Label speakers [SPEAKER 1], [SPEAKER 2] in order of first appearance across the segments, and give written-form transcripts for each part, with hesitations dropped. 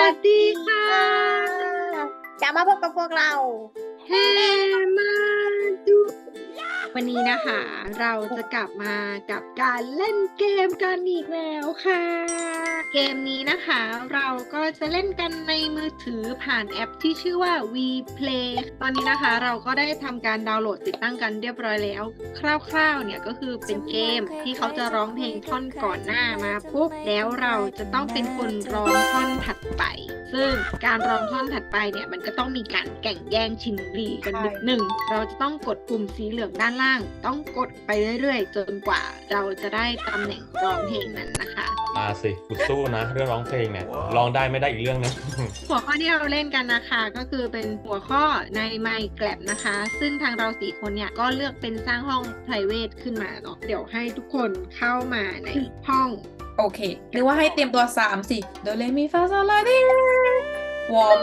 [SPEAKER 1] วัสดีค่ะ
[SPEAKER 2] จะมาพบกับพวกเรา
[SPEAKER 1] เฮมาดูวันนี้นะคะ เราจะกลับมากับการเล่นเกมกันอีกแล้วค่ะ เกมนี้นะคะ เราก็จะเล่นกันในมือถือผ่านแอปที่ชื่อว่า WePlay ตอนนี้นะคะเราก็ได้ทำการดาวน์โหลดติดตั้งกันเรียบร้อยแล้ว คร่าวๆเนี่ยก็คือเป็นเกมที่เขาจะร้องเพลงท่อนก่อนหน้ามาปุ๊บแล้วเราจะต้องเป็นคนร้องท่อนถัดไป ซึ่งการร้องท่อนถัดไปเนี่ยมันก็ต้องมีการแข่งแย่งชิงดีกันนิดหนึ่งเราจะต้องกดปุ่มสีเหลืองด้านล่าง ต้องกดไปเรื่อยๆ จนกว่าเราจะได้ตำแหน่งร้องเพลงนั้นนะคะ
[SPEAKER 3] มาสิกูสู้นะเรื่องร้องเพลงเนี่ยร้องได้ไม่ได้อีกเรื่องนึง
[SPEAKER 1] หัวข้อที่เราเล่นกันนะคะก็คือเป็นหัวข้อใน Minecraft นะคะ ซึ่งทางเรา4คนเนี่ยก็เลือกเป็นสร้างห้อง private ขึ้นมาเนาะเดี๋ยวให้ทุกคนเข้ามาในห้อง
[SPEAKER 2] โอเคหรือว่าให้เตรียมตัว3สิโดเรมีฟาโซลาดิวอร์ม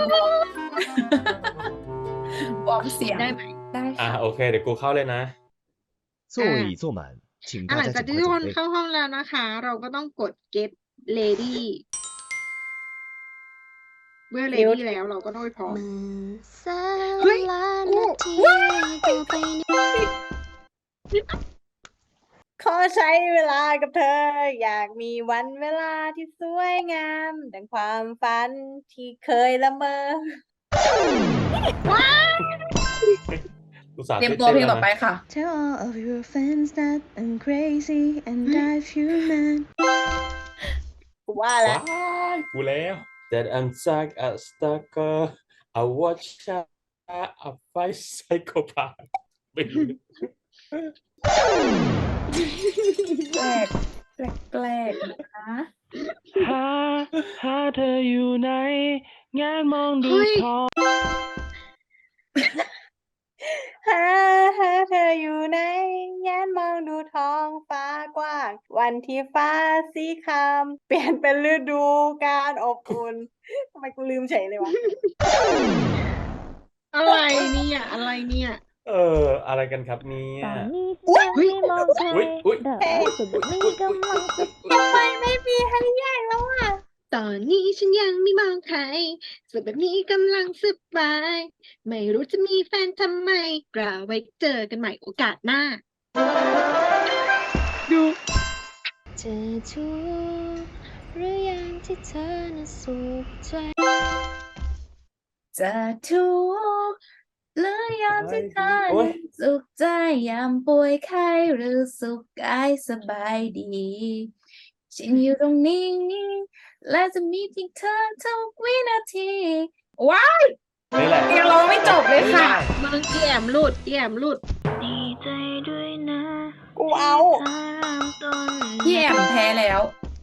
[SPEAKER 2] วอร์มเสียง
[SPEAKER 1] ได้ไหม
[SPEAKER 2] ได้ค่ะ
[SPEAKER 3] โอเคเดี๋ยวกูเข้าเลยนะ
[SPEAKER 4] 座椅坐满，请
[SPEAKER 1] หลั
[SPEAKER 4] 大
[SPEAKER 1] ง
[SPEAKER 4] 家
[SPEAKER 1] จาก
[SPEAKER 4] 尽
[SPEAKER 1] ที่
[SPEAKER 4] 快
[SPEAKER 1] ทุกคน
[SPEAKER 4] 准备。
[SPEAKER 1] เข้าห้องแล้วนะคะ เราก็ต้องกด get ready เมื่อ ready แล้วเราก็ต้องไปพร้อม เฮ้ยกู
[SPEAKER 2] ขอใช้เวลากับเธอ อยากมีวันเวลาที่สวยงาม ดังความฝันที่เคยละเมอ เตรียมตัวเพลงต่อไปค่ะ
[SPEAKER 5] Tell all of your friends that I'm crazy and I'm human.
[SPEAKER 2] กูว่า
[SPEAKER 3] ว้า
[SPEAKER 2] แล้ว
[SPEAKER 3] ยกูแล้ว That I'm stuck a stalker I watch a fight psychopath ไม่รู้
[SPEAKER 2] แปลกแปลกนะคะ
[SPEAKER 6] หาเธออยู่ไหนงานมองดู
[SPEAKER 1] เฮ้ย
[SPEAKER 6] ท้อง
[SPEAKER 2] หาเธออยู่ไหนแงนมองดูท้องฟ้ากว้าง วันที่ฟ้าสีครามเปลี่ยนเป็นฤดูการอบอุ่นทำไมกูลืมเฉยเลยวะ
[SPEAKER 1] อะไรเนี่ยอะไรเนี่ย
[SPEAKER 3] อะไรกันครับเนี่ย
[SPEAKER 5] ตอนนี้ฉันไม่มองใคร
[SPEAKER 3] อุ๊ย
[SPEAKER 5] แต่สุดนี้กำลังจะ
[SPEAKER 2] ทำไมไม่มีให้แยกแล้วอ่ะ
[SPEAKER 1] ตอนนี้ฉันยังไม่มองใครส่วนแบบนี้กำลังสบาย ไม่รู้จะมีแฟนทำไมกล่าวไว้เจอกันใหม่โอกาสหน้า ดู
[SPEAKER 5] เธอทุกหรือยังที่เธอน่ะสุขใจ
[SPEAKER 2] จะทุกข์หรือยามที่เธอ
[SPEAKER 3] โอ๊ย
[SPEAKER 2] นั้นสุขใจยามป่วยไข้หรือสุขกายสบายดี ฉันอยู่ตรงนี้ และจะมีเพียงเธอทุกวินาที ว้าย
[SPEAKER 3] นี่แหละ
[SPEAKER 2] ยังร้องไม่จบเลยค่ะ
[SPEAKER 1] มึงอีแอมหลุดอีแอมหลุด
[SPEAKER 5] ดีใจด้วยนะ
[SPEAKER 2] กูเอา
[SPEAKER 5] เธอเริ่มต้น
[SPEAKER 2] พี่แอมแพ้แล้ว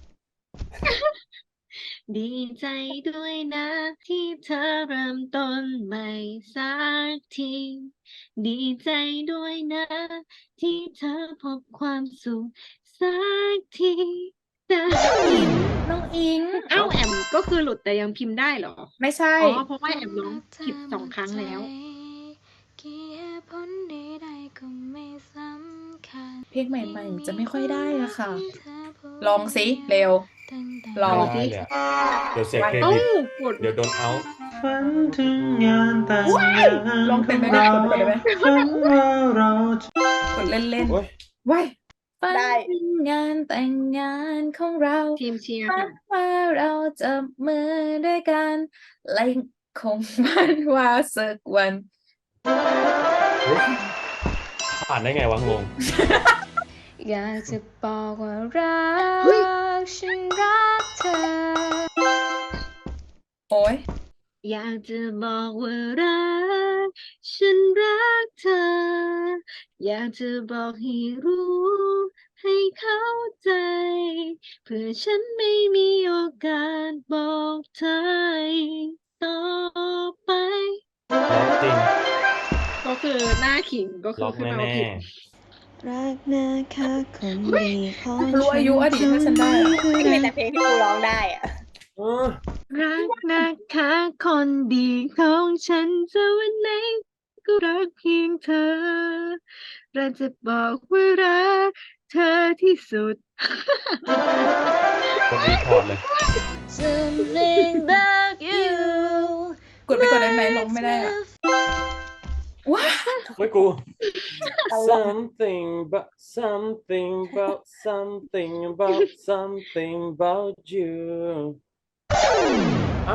[SPEAKER 1] ดีใจด้วยนะที่เธอเริ่มต้นใหม่สักที ดีใจด้วยนะ ที่เธอพบความสุขสักทีแต่
[SPEAKER 2] น้องอิง
[SPEAKER 1] เอ้าแอมก็คือหลุดแต่ยังพิมพ์ได้เหรอ
[SPEAKER 2] ไม่ใช่
[SPEAKER 1] อ๋อเพราะว่าแอมร้องผิด2 ครั้งแล้ว
[SPEAKER 5] กี่เหตุผลใดๆก็ไม่สำคัญ
[SPEAKER 2] เพลงใหม่ๆจะไม่ค่อยได้อะค่ะ ลองสิเร็ว ลอง
[SPEAKER 3] ได้เลยอะเดี๋ยวเสียเคร
[SPEAKER 1] เอ้า
[SPEAKER 3] ดิต
[SPEAKER 1] กด
[SPEAKER 3] เดี๋ยวโดนเอา
[SPEAKER 4] ฝันถึงงานแต่งงาน
[SPEAKER 2] ลองเป็นไหม
[SPEAKER 4] ของ
[SPEAKER 2] ได้
[SPEAKER 4] เรา
[SPEAKER 2] กดได้ไหม
[SPEAKER 4] ฝันว่าเราจะ
[SPEAKER 2] กดเล่น
[SPEAKER 3] โอ๊ย
[SPEAKER 2] ๆว้ายฝันถึงงานแต่งงานของเรา
[SPEAKER 1] ทีมเชียร์
[SPEAKER 2] ฝั
[SPEAKER 1] ค่ะ
[SPEAKER 2] นว่าเราจับมือด้วยกันและคงฝันว่าสักวัน
[SPEAKER 3] ผ่านได้ไงวะงง
[SPEAKER 5] อยากจะบอกว่ารั
[SPEAKER 1] เฮ้ย
[SPEAKER 5] กฉันรักเธอ
[SPEAKER 2] โอ้ย
[SPEAKER 1] อยากจะบอกว่ารักฉันรักเธอ อยากจะบอกให้รู้ ให้เข้าใจ เพื่อฉันไม่มีโอกาสบอกเธอต่อไป
[SPEAKER 3] ล็อกจริง
[SPEAKER 1] ก็คือหน้าขิงก็คื
[SPEAKER 3] ล็
[SPEAKER 1] อ
[SPEAKER 3] อก
[SPEAKER 1] ขึ้นมา
[SPEAKER 3] แน่
[SPEAKER 1] ว่าผิด
[SPEAKER 5] รักนะคะคนดีของ
[SPEAKER 2] รู้อายุอดีตถ้าฉันได้อะ
[SPEAKER 5] ไม่มีแต่
[SPEAKER 2] เพลงที่กูร้องได้อะ
[SPEAKER 3] ๆเออ
[SPEAKER 1] รักนะคะคนดีของฉันจะวันไหนก็รักเพียงเธอ เราจะบอกว่ารักเธอที่สุด
[SPEAKER 3] กดรีพอร์ตเลย
[SPEAKER 5] Something about you
[SPEAKER 7] ไหนร้องไม่ได้อะว้า
[SPEAKER 3] ไม่กู something but something about something about something about you เอ้า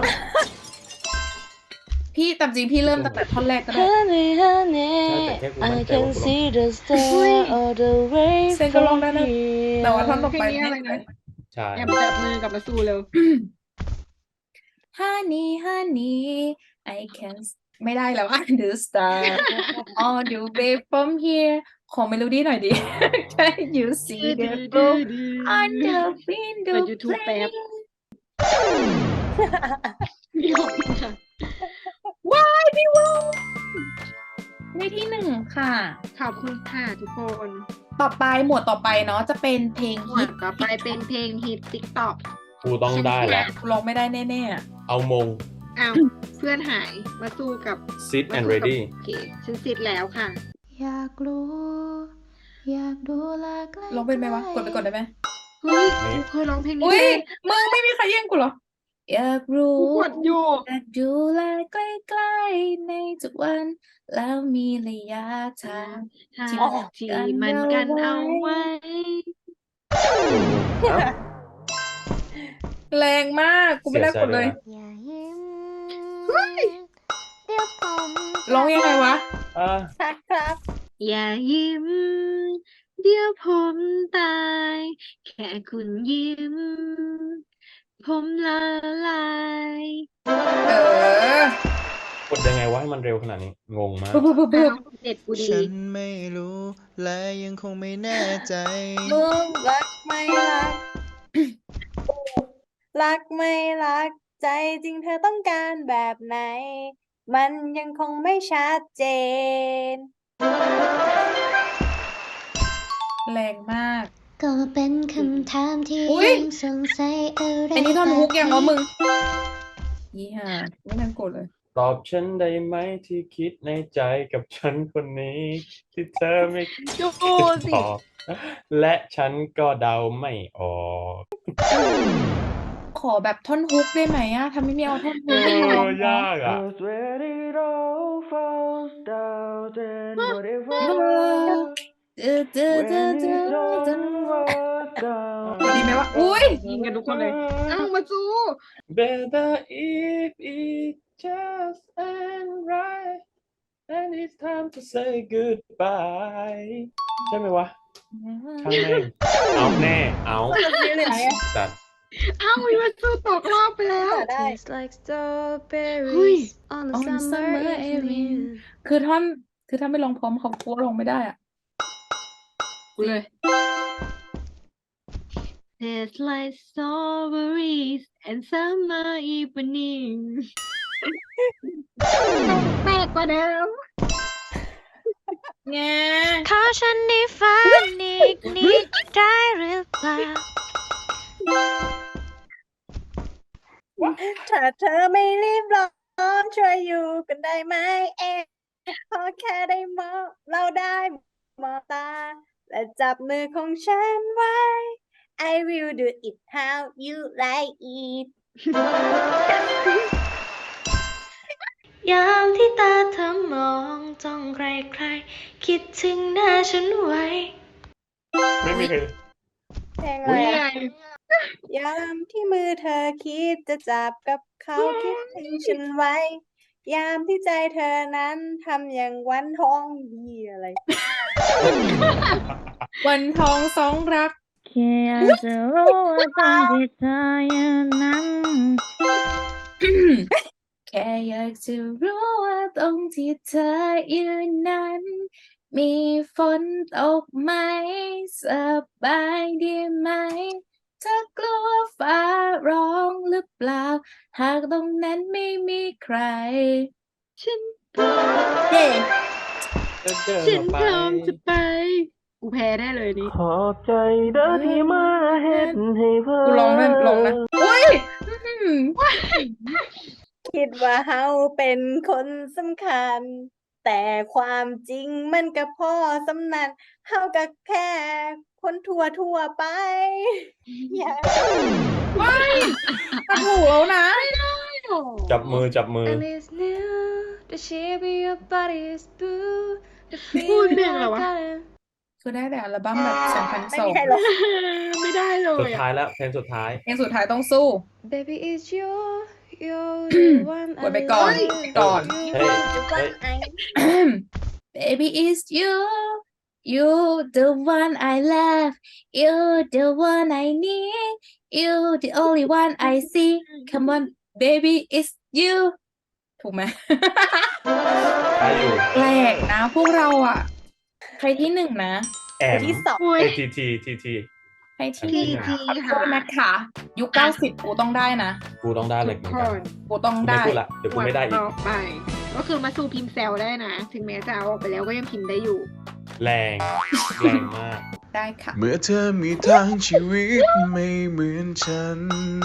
[SPEAKER 7] พี่ตามจริงพี่เริ่มตั้งแต่ท่อนแรกก็ได้
[SPEAKER 5] Honey, honey,
[SPEAKER 3] ใช่แต่แค่กูมั่
[SPEAKER 5] I
[SPEAKER 3] นใจว่า
[SPEAKER 5] can
[SPEAKER 3] กูร้อง
[SPEAKER 5] see the star all the way
[SPEAKER 7] เซนก็ร้อง
[SPEAKER 5] from
[SPEAKER 7] ได้นะ
[SPEAKER 5] here
[SPEAKER 7] แต่ว่าท่อนต่อ
[SPEAKER 1] เพล
[SPEAKER 7] ไป
[SPEAKER 1] งนี้อะไรนะ
[SPEAKER 3] ใช่
[SPEAKER 1] แอมจับมือกับมาสู้เร็ว
[SPEAKER 7] Honey honey I can ไม่ได้แล้วอ่ะ The star all the way from here ขอเมโลดี้หน่อยดิ Can you see the glow on the
[SPEAKER 1] เปิ
[SPEAKER 7] window
[SPEAKER 1] ด YouTube แป๊บ
[SPEAKER 7] pane
[SPEAKER 1] พี่ขอบคุณค่ะ
[SPEAKER 7] ว้ายพี่วงได้ที่หนึ่งค่ะ
[SPEAKER 1] ขอบคุณค่ะทุกคน
[SPEAKER 7] ต่อไปหมวดต่อไปเนาะจะเป็นเพลง
[SPEAKER 1] หมว
[SPEAKER 7] ฮิ
[SPEAKER 1] ด
[SPEAKER 7] ต
[SPEAKER 1] ต่อไปเป็นเพลงฮิต TikTok
[SPEAKER 3] กูต้องได้แล้ว
[SPEAKER 7] ร้องไม่ได้แน่
[SPEAKER 3] เอามง
[SPEAKER 1] อ้าวเพื่อนหายมาสู้กับ
[SPEAKER 3] sit
[SPEAKER 1] มา
[SPEAKER 3] and
[SPEAKER 1] สู้กับ
[SPEAKER 3] ready
[SPEAKER 1] โอเคฉันซิดแล้วค่ะ
[SPEAKER 5] อยากรู้ อยากดูแลใกล้
[SPEAKER 7] ๆร้องเป็นไหมวะ กดไปกดได้ไหม
[SPEAKER 1] เฮ้ย
[SPEAKER 3] ไม่
[SPEAKER 1] กูเคยร้องเพลงนี้
[SPEAKER 7] อุ้ย
[SPEAKER 1] เลย
[SPEAKER 7] มึงไม่มีใครแย่งกูเหรอ อยากรู้
[SPEAKER 1] กูกดอยู่
[SPEAKER 7] อยากดูแลใกล้ๆในทุกวัน แล้วมีระยะทาง
[SPEAKER 1] ทาง
[SPEAKER 7] ที่
[SPEAKER 1] ที่มันกันเอาไว้
[SPEAKER 3] เอ้า
[SPEAKER 7] แรงมาก กูไม่ได้กดเลย
[SPEAKER 5] อย่ายิ้มเดี๋ยวผม
[SPEAKER 7] ร้องยังไงวะ
[SPEAKER 3] อ่ะ
[SPEAKER 2] ครับ
[SPEAKER 1] อย่ายิ้ม เดี๋ยวผมตาย แค่คุณยิ้ม ผมละลาย
[SPEAKER 7] เออ
[SPEAKER 3] กดยังไงวะให้มันเร็วขนาดนี้ งงมาก
[SPEAKER 7] ปุ๊บปุ๊บปุ๊บปุ๊บ
[SPEAKER 1] เด็ดกูดี
[SPEAKER 4] ฉันไม่รู้และยังคงไม่แน่ใจ
[SPEAKER 2] มึงรักไม่รัก รักไม่รัก ใจจริงเธอต้องการแบบไหน มันยังคงไม่ชัดเจน
[SPEAKER 7] แรงมาก
[SPEAKER 5] ก็เป็นคำถามที่
[SPEAKER 7] อุ๊ย
[SPEAKER 5] ยังสงสัยอะไร
[SPEAKER 7] อันนี้ท่อนฮุกยังวะ
[SPEAKER 5] แบบ
[SPEAKER 7] มึงยี่ห้าไม่ทันกดเลย
[SPEAKER 3] ตอบฉันได้ไหมที่คิดในใจกับฉันคนนี้ ที่เธอไม่คิด
[SPEAKER 1] ดูสิ
[SPEAKER 3] ตอบและฉันก็เดาไม่ออก
[SPEAKER 7] ขอแบบท่อนฮุกได้ไหมอะทำไมไม่เอาท่อนฮุก
[SPEAKER 3] เอ
[SPEAKER 7] ไปร้อง
[SPEAKER 3] อยากอ่ะ
[SPEAKER 6] 'Cause when it all falls down then whatever
[SPEAKER 7] เออเจอ
[SPEAKER 6] when
[SPEAKER 7] เจอเจอ
[SPEAKER 6] it
[SPEAKER 7] เจอ
[SPEAKER 6] all was down
[SPEAKER 7] ดีไหมวะ อุ้ย
[SPEAKER 1] ยิงกันทุกคนเลย อ้าวมาสู้
[SPEAKER 3] Better if it just ain't right and it's time to say goodbye ใช่ไหมวะช่างแม่งเอาแน่ เอา
[SPEAKER 2] นี่เลยไหนอะ
[SPEAKER 3] จัด
[SPEAKER 1] อ้าวมาสู้ตกรอบไปแล้ว
[SPEAKER 2] ได้
[SPEAKER 5] Tastes like
[SPEAKER 1] เฮ้ย
[SPEAKER 5] strawberries on a
[SPEAKER 7] On
[SPEAKER 5] summer
[SPEAKER 7] summer
[SPEAKER 5] evening
[SPEAKER 7] evening คือท่อน คือถ้าไม่ลองพร้อมเขากลัวลงไม่ได้อ่ะ
[SPEAKER 1] กูเลย Tastes like strawberries and summer evening แปลกกว่าเดิม
[SPEAKER 7] แง
[SPEAKER 5] ขอฉันได้ฝันอีกนิดได้หรือเปล่า
[SPEAKER 2] ถ้าเธอไม่รีบร้อนช่วยอยู่กันได้ไหมพอแค่ได้มองเราได้มองตา และจับมือของฉันไว้ I will do it how you like it
[SPEAKER 5] ยามที่ตาเธอมองจ้องใครๆคิดถึงหน้าฉันไว้
[SPEAKER 3] ไม่มีใคร
[SPEAKER 2] เพลงอะไร
[SPEAKER 1] นี่
[SPEAKER 2] อะ
[SPEAKER 1] ไง
[SPEAKER 2] ยามที่มือเธอคิดจะจับกับเขาคิดถึงฉันไว้ ยามที่ใจเธอนั้นทำอย่างวันทองดีอะไร
[SPEAKER 7] วันทองสองรัก
[SPEAKER 5] แค่อยากจะรู้ว่าตอนที่เธออยู่นั้น
[SPEAKER 7] แค่อยากจะรู้ว่าตรงที่เธออยู่นั้น มีฝนตกไหม สบายดีไหม เธอกลัวฟ้าร้องหรือเปล่า หากตรงนั้นไม่มีใคร
[SPEAKER 1] ฉัน
[SPEAKER 7] เย้
[SPEAKER 3] เดิน
[SPEAKER 1] ฉัน
[SPEAKER 3] ออกไป
[SPEAKER 1] พร้อมจะไป กูแพ้ได้เลยนี่
[SPEAKER 6] ขอบใจเด้อที่มาเฮ็ดให้เพิ่
[SPEAKER 7] กูลองนะอุ้ยอื้อหือ
[SPEAKER 2] คิดว่าเฮาเป็นคนสำคัญ แต่ความจริงมันก็พอสำนันเฮาก็แค่คนทั่วไป อย่า
[SPEAKER 7] มันถูกแล้วนะ
[SPEAKER 3] จับมือ
[SPEAKER 5] And it's new The shape of your body is blue. The
[SPEAKER 1] พูด
[SPEAKER 5] feeling
[SPEAKER 1] เพลงอะไร
[SPEAKER 5] I
[SPEAKER 1] วะ
[SPEAKER 5] got it.
[SPEAKER 7] คือได้แต่อัลบั้มแบบ
[SPEAKER 2] ไม่มีใคร
[SPEAKER 7] 2002
[SPEAKER 2] ร้อง
[SPEAKER 1] ไม่ได้เล
[SPEAKER 3] สุ
[SPEAKER 1] ย
[SPEAKER 3] ด
[SPEAKER 1] อะ
[SPEAKER 3] ท้ายแล้วเพลงสุดท้าย
[SPEAKER 7] เพลงสุดท้ายต้องสู้
[SPEAKER 5] Baby, it's you. You're the one
[SPEAKER 7] กดไป
[SPEAKER 5] I
[SPEAKER 7] ก่อน
[SPEAKER 5] love.
[SPEAKER 7] ก่อน
[SPEAKER 3] เฮ้ย
[SPEAKER 7] Baby it's you you the one I love you the one I need you the only one I see come on baby it's you ถูกไหม
[SPEAKER 3] ได้อยู่
[SPEAKER 7] แปลกนะพวกเราอ่ะ ใครที่หนึ่งนะ
[SPEAKER 3] แอม
[SPEAKER 2] ที่สอง
[SPEAKER 1] โอ้ย
[SPEAKER 3] ที
[SPEAKER 7] ใครที่
[SPEAKER 1] ที
[SPEAKER 7] หนึ่ง
[SPEAKER 1] ที
[SPEAKER 7] ขอโท
[SPEAKER 1] ค่ะ
[SPEAKER 7] ษนะคะยุค90กูต้องได้นะ
[SPEAKER 3] กูต้องได้เห
[SPEAKER 1] ทุ
[SPEAKER 3] ล็ก
[SPEAKER 1] ก
[SPEAKER 3] เหมือน
[SPEAKER 1] ค
[SPEAKER 3] กัน
[SPEAKER 1] น
[SPEAKER 7] กูต้อง
[SPEAKER 3] ไม่
[SPEAKER 7] ได้
[SPEAKER 3] พูดละเดี๋ยวกูไม่ได้อีก
[SPEAKER 1] ต่อไป ก็คือมาสู่พิมพ์แซลได้นะ ถึงแม้จะเอาออกไปแล้วก็ยังพิมพ์ได้อยู่
[SPEAKER 3] แรงแรงมาก
[SPEAKER 7] ได้ค่ะ
[SPEAKER 4] เมื่อเธอมีทางชีวิตไม่เหมือนฉัน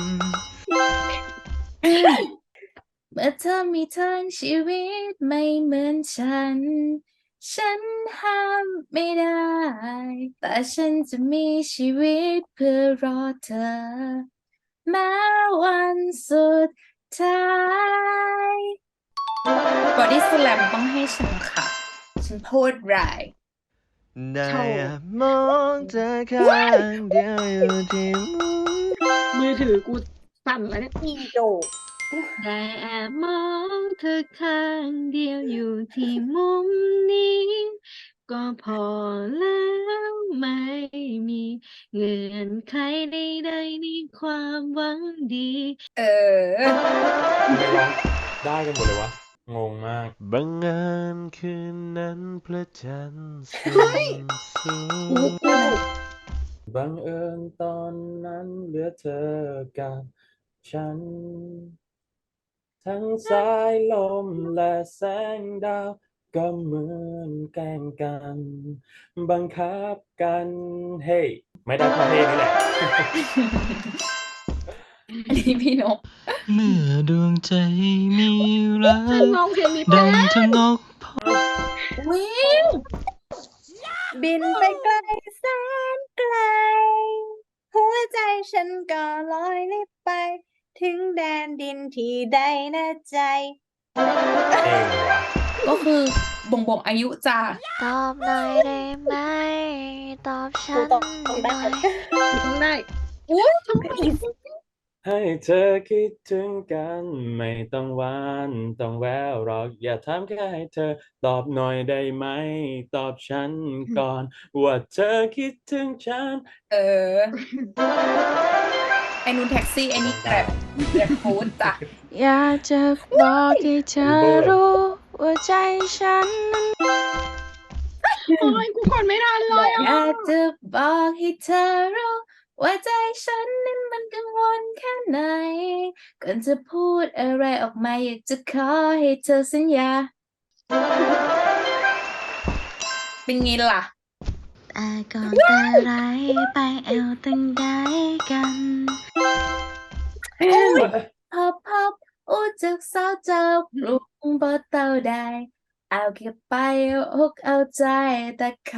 [SPEAKER 7] เมื่อเธอมีทางชีวิตไม่เหมือนฉัน ฉันห้ามไม่ได้ แต่ฉันจะมีชีวิตเพื่อรอเธอ แม้วันสุดท้ายบอดี้สแลมต้องให้ฉันค่ะ ฉันพูดไร
[SPEAKER 4] ได้มองเธอข้างเดียวอยู่ที่มุม
[SPEAKER 1] มือถือกูสั่นแล้วเนี่ย
[SPEAKER 2] อีโด
[SPEAKER 1] ได้แอบมองเธอข้างเดียวอยู่ที่มุมนี้ ก็พอแล้วไม่มีเงื่อนไขใดๆในความหวังดี
[SPEAKER 7] เออ
[SPEAKER 3] ทำไมร้องได้กันหมดเลยวะ งงมาก
[SPEAKER 4] บังเอิญคืนนั้นพระจันทร์สูงสูง
[SPEAKER 3] บังเอิญตอนนั้นเหลือเธอกับฉัน ทั้งสายลมและแสงดาวก็เหมือนแกล้งกัน บังคับกัน เฮ้ยไม่ได้เพราะเพลงนี่แหละ
[SPEAKER 7] อันนี้พี่นก
[SPEAKER 6] เมื่อดวงใจมีรัก
[SPEAKER 1] ฉันร้องเพลงนี้ไป
[SPEAKER 6] ดัง
[SPEAKER 1] แล้ว
[SPEAKER 6] ทะนก
[SPEAKER 7] วิ่ง
[SPEAKER 2] บินไปไกลแสนไกล หัวใจฉันก็ลอยลิบไป ถึงแดนดินที่ใดนะใจ
[SPEAKER 3] เองวะ
[SPEAKER 7] ก็คือบ่งอายุจ้า
[SPEAKER 5] ตอบหน่อยได้ไหม ตอบฉั
[SPEAKER 2] กู
[SPEAKER 5] น
[SPEAKER 2] ต้อง
[SPEAKER 5] ห
[SPEAKER 2] ได้
[SPEAKER 5] น่อย
[SPEAKER 1] ต้องได้
[SPEAKER 7] อุ้ย
[SPEAKER 3] ให้เธอคิดถึงกันไม่ต้องหวานต้องแววหรอกอย่าถามแค่ให้เธอตอบหน่อยได้ไหม ตอบฉันก่อน ว่าเธอคิดถึงฉัน
[SPEAKER 7] เออ ไอ้นูนแท็กซี่ ไอ้นี่แกร็บฟู้ดจ้ะ
[SPEAKER 5] อยากจะบอกให้เธอรู้ว่าใจฉันนั้น
[SPEAKER 1] โอ้ยกูกดไม่ทันเลย
[SPEAKER 7] อ
[SPEAKER 1] อ่ะ
[SPEAKER 7] ยากจะบอกให้เธอรู้ว่าใจฉันนั้นมันกังวลแค่ไหน ก่อนจะพูดอะไรออกมาอยากจะขอให้เธอสัญญา เป็นไงล่ะ
[SPEAKER 5] แต่ก่อนแต่ไรไปแอวตั้งใดกัน
[SPEAKER 7] พับอู้จากสาวเจ้าปรุงบ่เต่าใดเอาเก็บไปเอาอกเอาใจแต่เขา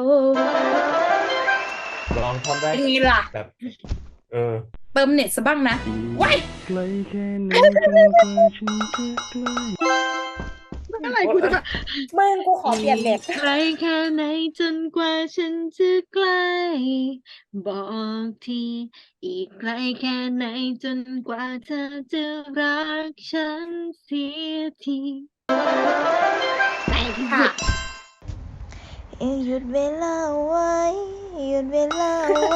[SPEAKER 3] ลองทำได้
[SPEAKER 7] เป็นไงล่ะ
[SPEAKER 3] แบบ
[SPEAKER 7] เติมเน็ตซะบ้างนะว้าย
[SPEAKER 6] ไกลแค่ไหนจนกว่าฉันจะใกล้
[SPEAKER 1] เมื่อไหร่กูจะแบบ
[SPEAKER 2] มึงกูขอเปลี่ยนเน็ต
[SPEAKER 1] ไกลแค่ไหนจนกว่าฉันจะใกล้บอกทีอีกไกลแค่ไหนจนกว่าเธอจะรักฉันเสียทีในที่สุด
[SPEAKER 5] หยุดเวลาไว้ หยุดเวลาไว้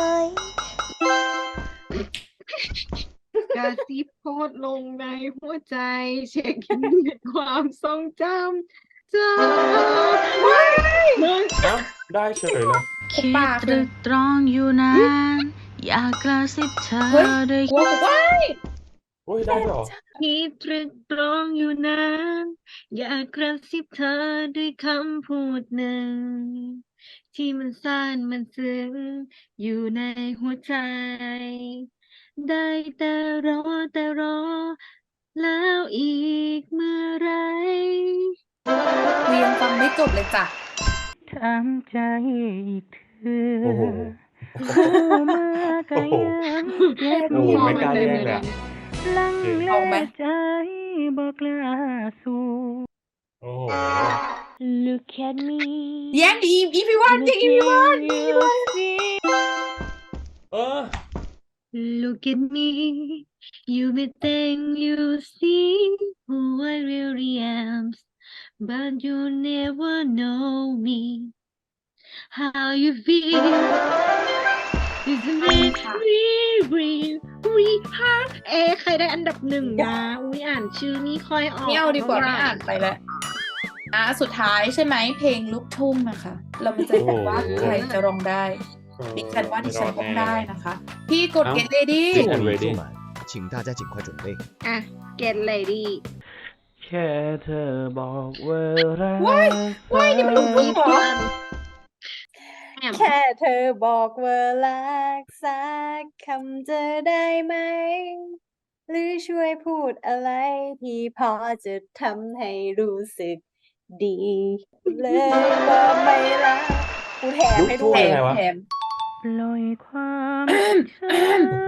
[SPEAKER 1] กระซิบโพสต์ลงในหัวใจเช็คอินในความทรงจำเธอมึง
[SPEAKER 3] เอ้าได้เฉยเลย
[SPEAKER 5] คิด
[SPEAKER 7] ปาก
[SPEAKER 5] ต
[SPEAKER 7] เล
[SPEAKER 5] รึ
[SPEAKER 7] ย
[SPEAKER 5] กตรองอยู่นานอยากกระซิบเธอ
[SPEAKER 7] เฮ้ย
[SPEAKER 5] ด้วย
[SPEAKER 7] ว้าวว้าย
[SPEAKER 3] โอ้ยได้ด้วยเหรอ
[SPEAKER 1] คิดตรึกตรองอยู่นานอยากกระซิบเธอด้วยคำพูดหนึ่ง ที่มันซ่านมันซึ้งอยู่ในหัวใจ ได้แต่รอแล้วอีกเมื่อไหร
[SPEAKER 7] กูยังฟังไม่จบเลยจ้ะ
[SPEAKER 6] ถามใจอีกเธอ
[SPEAKER 3] โอ้โห
[SPEAKER 6] ผู้เมื่อก็ยังเก็บ
[SPEAKER 3] โอ้โห
[SPEAKER 6] อยู่
[SPEAKER 3] ไม่กล้าแย่งเลยอะ
[SPEAKER 6] ลังเล
[SPEAKER 7] เอาไหม
[SPEAKER 6] ใจบอกล้าสู่
[SPEAKER 3] โอ้โห
[SPEAKER 6] Look at me
[SPEAKER 7] แย่ดีอีพีวันจริงอีพีวัน
[SPEAKER 3] เออ
[SPEAKER 1] Look at me, you may think you see who I really am, but you never know me. How you feel isn't it really hard ใครได้อันดับหนึ่งนะอุ้ยอ่านชื่อนี่ค่อยออก
[SPEAKER 7] ไม่เอาดีกว่า
[SPEAKER 1] ท่
[SPEAKER 7] ไม่
[SPEAKER 1] หร่
[SPEAKER 7] อ่านไปแล้วสุดท้ายใช่ไหมเพลงลูกทุ่งนะคะ เรามาเจอกันว่าใครจะร้องได้ดิฉันว่าดิฉันร้องได้นะคะ พี่กด get ready
[SPEAKER 3] กันเวดี้
[SPEAKER 4] 请大家尽快准备。
[SPEAKER 1] อ่ะ get ready
[SPEAKER 6] แค่เธอบอกว่ารัก
[SPEAKER 7] ว้ายนี่มันลูกทุ่งเหรอ
[SPEAKER 2] แค่เธอบอกว่ารักสักคำจะได้ไหม หรือช่วยพูดอะไรที่พอจะทำให้รู้สึกดี เลยว่าไม่รักกูแถมให้ด้
[SPEAKER 3] ลูกทุ่ง
[SPEAKER 2] วย
[SPEAKER 3] ยังไงวะ
[SPEAKER 7] แถม
[SPEAKER 6] ปล่อยความเธอ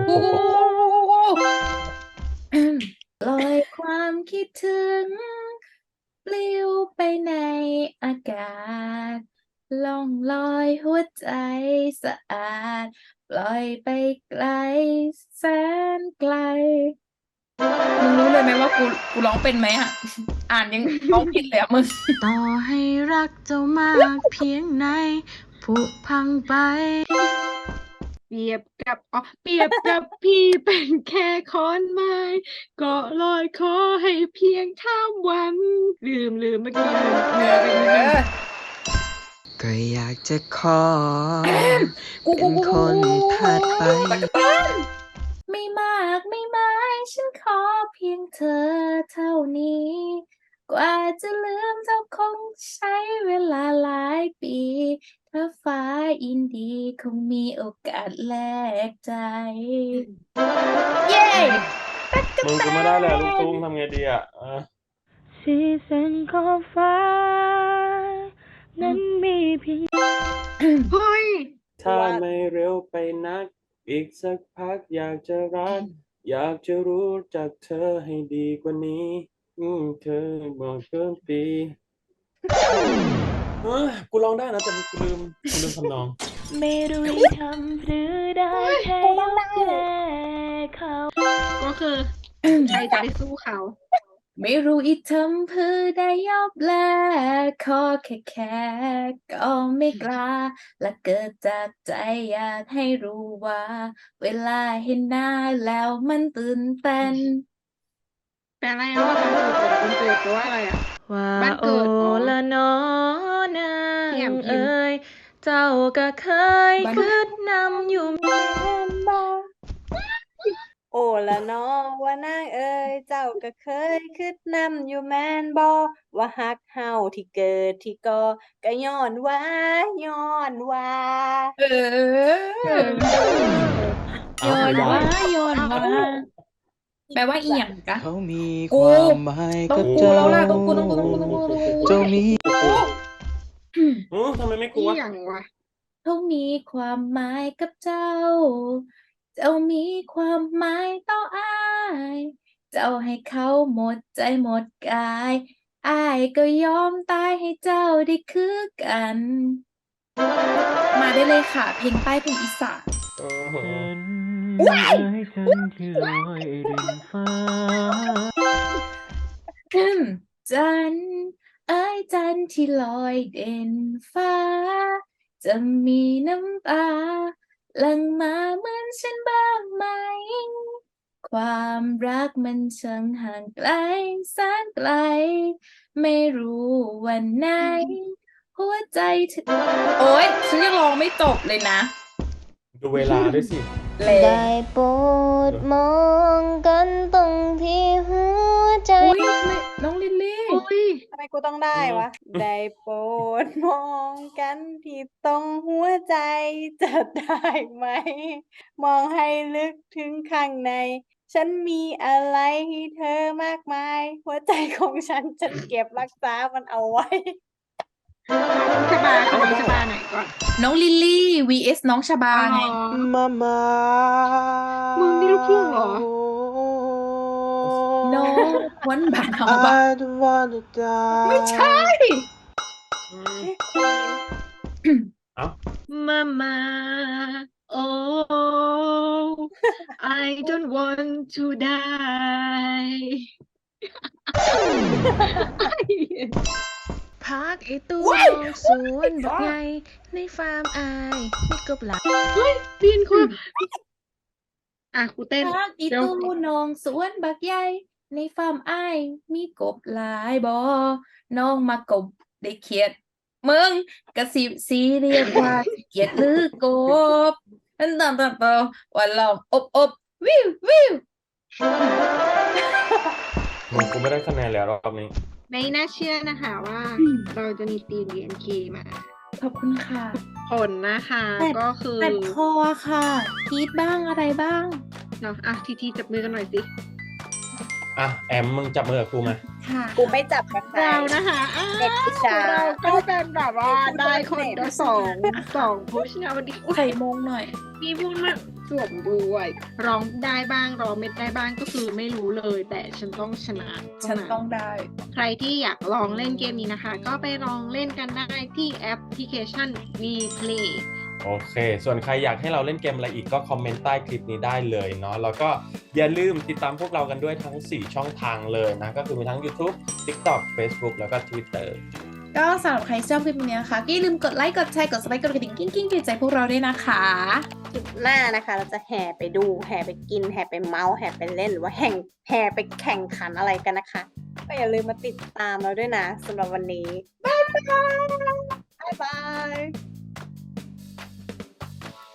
[SPEAKER 7] ลอยความคิดถึงปลิวไปในอากาศล่องลอยหัวใจสะอาด ปล่อยไปไกลแสนไกล มึงรู้เลยไหมว่ากูร้องเป็นไหมอ่ะ อ่านยังร้องผิดเลยอ่ะมึง
[SPEAKER 5] ต่อให้รักเจ้ามากเพียงไหนผุพังไป
[SPEAKER 1] เปรียบกับพี่เป็นแค่ขอนไม้ก็ลอยขอให้เพียงข้ามวัน ลืมเมื่อกี้ลืมเนื้อไปนิดนึง
[SPEAKER 8] ก็อยากจะขอเป็นคนถัดไป
[SPEAKER 7] ไม่มากไม่ไม้ฉันขอเพียงเธอเท่านี้ กว่าจะลืมเธอคงใช้เวลาหลายปี ถ้าฟ้ายินดีคงมีโอกาสแลกใจ เย้
[SPEAKER 3] มึงกูไม่ได้เลยลูกทุ่งทำไงดีอ่ะ
[SPEAKER 6] สีสันของฟ้า นั้นมีเพียง
[SPEAKER 1] เฮ้ย
[SPEAKER 3] ถ้าไม่เร็วไปนัก อีกสักพักอยากจะรัก อยากจะรู้จักเธอให้ดีกว่านี้ เธอบอกเพิ่มปีกูร้องได้นะแต่กูลืมทำนอง
[SPEAKER 6] ไม่รู้จะทำหรือได้แค่ยกแค่เขา
[SPEAKER 1] ก็คือใครจะไปสู้เขา
[SPEAKER 7] ไม่รู้อีทำเพื่อได้ยอบแลขอแค่ก็ไม่กล้า และเกิดจากใจอยากให้รู้ว่า เวลาเห็นหน้าแล้วมันตื่นเต้น
[SPEAKER 1] แปลอะไรอ่ะว่ามันเกิดแปลว่าอะไรอ่ะ
[SPEAKER 5] ว่า
[SPEAKER 1] บ้าน
[SPEAKER 5] โอ
[SPEAKER 1] เกิดอ๋อ
[SPEAKER 5] ละนอนา
[SPEAKER 1] พี่แอม
[SPEAKER 5] ง
[SPEAKER 1] พิมพ์
[SPEAKER 5] เอ้ยเจ้าก็เคย
[SPEAKER 7] บ้าน
[SPEAKER 5] คืดนำอยู่
[SPEAKER 2] แม่นบ่โอ้ละน้อว่านางเอ้ยเจ้าก็เคยคิดนำอยู่แม่นบ่ว่าฮักเฮาที่เกิดที่ก่อก็ย้อนว่า
[SPEAKER 7] เออ
[SPEAKER 3] เอา
[SPEAKER 7] โยน
[SPEAKER 3] ไม่ได้
[SPEAKER 7] ว่าโยนว่าแปลว่าอีหยังกะ
[SPEAKER 8] เขามี
[SPEAKER 7] กู
[SPEAKER 8] ความหมาย
[SPEAKER 7] ต้อง
[SPEAKER 8] กับ
[SPEAKER 7] กู
[SPEAKER 8] เจ้า
[SPEAKER 7] แล้วล่ะต้องกู
[SPEAKER 8] เจ้ามี
[SPEAKER 3] ทำไมไม่กู
[SPEAKER 1] ที่
[SPEAKER 3] วะ
[SPEAKER 1] อย่างวะ
[SPEAKER 7] เขามีความหมายกับเจ้า เจ้ามีความหมายต่ออ้าย เจ้าให้เขาหมดใจหมดกายอ้ายก็ยอมตายให้เจ้าได้คือกัน มาได้เลยค่ะ เพลงป้ายเพลงอีสาน
[SPEAKER 3] โอ้โห
[SPEAKER 6] ฉันเอ้ยฉันที่ลอยริมฟ้า
[SPEAKER 7] จันทร์เอ้ยจันทร์ที่ลอยเด่นฟ้า จะมีน้ำตาหลั่งมาเหมือนฉันบ้างไหม ความรักมันช่างห่างไกลแสนไกล ไม่รู้วันไหน หัวใจเธอโอ๊ยฉันยังร้องไม่จบเลยนะ
[SPEAKER 3] ดูเวลาด้วยสิ
[SPEAKER 7] เลย
[SPEAKER 5] ได้โปรดมองกันตรงที่หัวใจ
[SPEAKER 7] อุ้ยน้องลิลลี่
[SPEAKER 1] อุ้ย
[SPEAKER 2] ทำไมกูต้องได้วะ ได้โปรดมองกันที่ตรงหัวใจจะได้ไหม มองให้ลึกถึงข้างใน ฉันมีอะไรให้เธอมากมาย หัวใจของฉันเก็บรักษามันเอาไว้
[SPEAKER 1] ชบาคือน้องชบาไหนก่อน
[SPEAKER 7] น้องลิลลี่ vs น้องชบาไง
[SPEAKER 1] อ๋อ
[SPEAKER 8] มามา
[SPEAKER 1] มึงนี่ลูกทุ่งเหรอ
[SPEAKER 7] โนวันบานเอาบ้า
[SPEAKER 4] I don't wanna die
[SPEAKER 7] ไม่ใช่
[SPEAKER 1] Mama oh I don't want to die
[SPEAKER 5] พักไอตู้มองสวนบักไงในฟาร์มอายมีกบหลาย
[SPEAKER 1] เปลี่ยนคนครูเต้น
[SPEAKER 7] พักอี
[SPEAKER 1] เดี๋ยว
[SPEAKER 7] ตู้น้องสวนบักใหญ่ในฟาร์มอ้ายมีกบหลายบ่น้องมากบได้เขียดมึงกระสิบสีเรียกว่าเขียดหรือกบนั่นต่างๆวันลองอบวิววิว
[SPEAKER 3] มึงกูไม่ได้คะแนนแล้วรอบนี้
[SPEAKER 1] ไม่น่าเชื่อนะคะว่าเราจะมีทีม BNK มา
[SPEAKER 7] ขอบคุณค่ะ
[SPEAKER 1] ผลนะคะ
[SPEAKER 7] แต่
[SPEAKER 1] ก็คือ
[SPEAKER 7] แต่คอค่ะกรีดบ้างอะไรบ้าง
[SPEAKER 1] เนาะทีจับมือกันหน่อยสิ
[SPEAKER 3] อ่ะแอมมึงจับมือกับกูมา
[SPEAKER 7] ค่ะ
[SPEAKER 2] กูไม่จับกับใคร
[SPEAKER 1] เรานะคะ
[SPEAKER 2] เด็กวิชา
[SPEAKER 1] เราก็เป็นแบบว่าได้คนละสองพุชนะวันนี้
[SPEAKER 7] ใส่มงหน่อย
[SPEAKER 1] มีพูดมาสวมด้วยร้องได้บ้างร้องไม่ได้บ้างก็คือไม่รู้เลย แต่ฉันต้องชนะ
[SPEAKER 7] ฉันต้องได้
[SPEAKER 1] ใครที่อยากลองเล่นเกมนี้นะคะ ก็ไปลองเล่นกันได้ที่แอปพลิเคชัน VPlay
[SPEAKER 3] โอเค ส่วนใครอยากให้เราเล่นเกมอะไรอีกก็คอมเมนต์ใต้คลิปนี้ได้เลยเนาะ แล้วก็อย่าลืมติดตามพวกเรากันด้วยทั้ง 4 ช่องทางเลยนะ ก็คือมีทั้ง YouTube TikTok Facebook แล้วก็ Twitter
[SPEAKER 7] ก็สำหรับใครชอบคลิปนี้นะคะก็อย่าลืมกดไลค์กดแชร์กด subscribe กดกระดิ่งกิ้งๆใจพวกเราด้วยนะคะ
[SPEAKER 2] คลิปหน้านะคะ เราจะแห่ไปดูแห่ไปกินแห่ไปเมาส์แห่ไปเล่นหรือว่าแห่ไปแข่งขันอะไรกันนะคะ ก็อย่าลืมมาติดตามเราด้วยนะสำหรับวันนี้ บ๊ายบาย